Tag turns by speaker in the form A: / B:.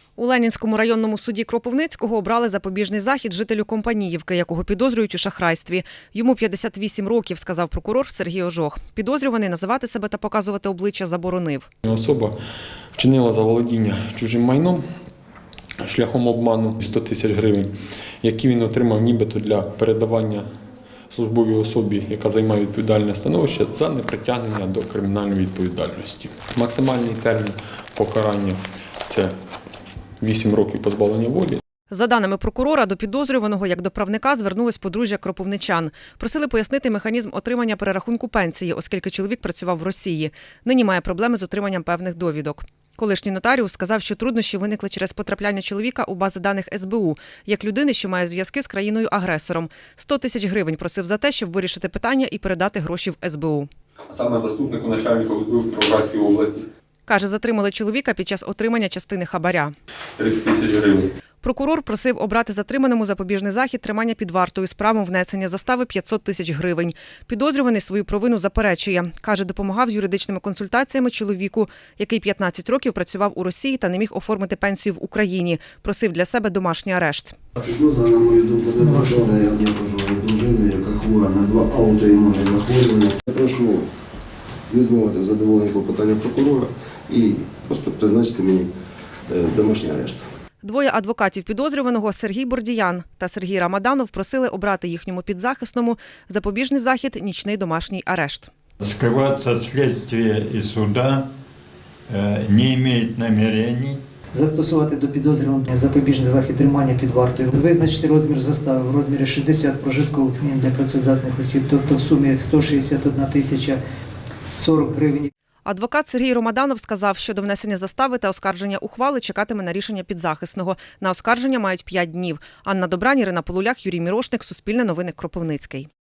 A: У Ленінському районному суді Кропивницького обрали запобіжний захід жителю Компаніївки, якого підозрюють у шахрайстві. Йому 58 років, сказав прокурор Сергій Ожох. Підозрюваний називати себе та показувати обличчя заборонив.
B: Особа вчинила заволодіння чужим майном шляхом обману 100 тисяч гривень, які він отримав нібито для передавання службовій особі, яка займає відповідальне становище, за непритягнення до кримінальної відповідальності. Максимальний термін покарання – це 8 років позбавлення волі.
A: За даними прокурора, до підозрюваного як до правника звернулось подружжя кропивничан. Просили пояснити механізм отримання перерахунку пенсії, оскільки чоловік працював в Росії. Нині має проблеми з отриманням певних довідок. Колишній нотаріус сказав, що труднощі виникли через потрапляння чоловіка у бази даних СБУ, як людини, що має зв'язки з країною-агресором. 100 тисяч гривень просив за те, щоб вирішити питання і передати гроші в СБУ.
C: Саме заступнику начальника СБУ Кіровоградської області.
A: Каже, затримали чоловіка під час отримання частини хабаря.
C: 30 тисяч гривень.
A: Прокурор просив обрати затриманому запобіжний захід тримання під вартою з правом внесення застави 500 тисяч гривень. Підозрюваний свою провину заперечує. Каже, допомагав з юридичними консультаціями чоловіку, який 15 років працював у Росії та не міг оформити пенсію в Україні. Просив для себе домашній арешт.
D: Підозра, на мою думку, неправильна. Я проживаю дружину, яка хвора на 2 аутоімунні захворювання. Я прошу відмовити в задоволенні клопотання прокурора і просто призначити мені домашній арешт.
A: Двоє адвокатів підозрюваного Сергій Бордіян та Сергій Рамаданов просили обрати їхньому підзахисному запобіжний захід – нічний домашній арешт.
E: Скрываться от следствия и суда не имеет намерений.
F: Застосувати до підозрюваного запобіжний захід тримання під вартою. Визначити розмір застави в розмірі 60 прожиткових мінімум для працездатних осіб, тобто в сумі 161 тисяча 40 гривень.
A: Адвокат Сергій Рамаданов сказав, що до внесення застави та оскарження ухвали чекатиме на рішення підзахисного. На оскарження мають 5 днів. Анна Добрань, Ірина Полулях, Юрій Мірошник, Суспільне новини, Кропивницький.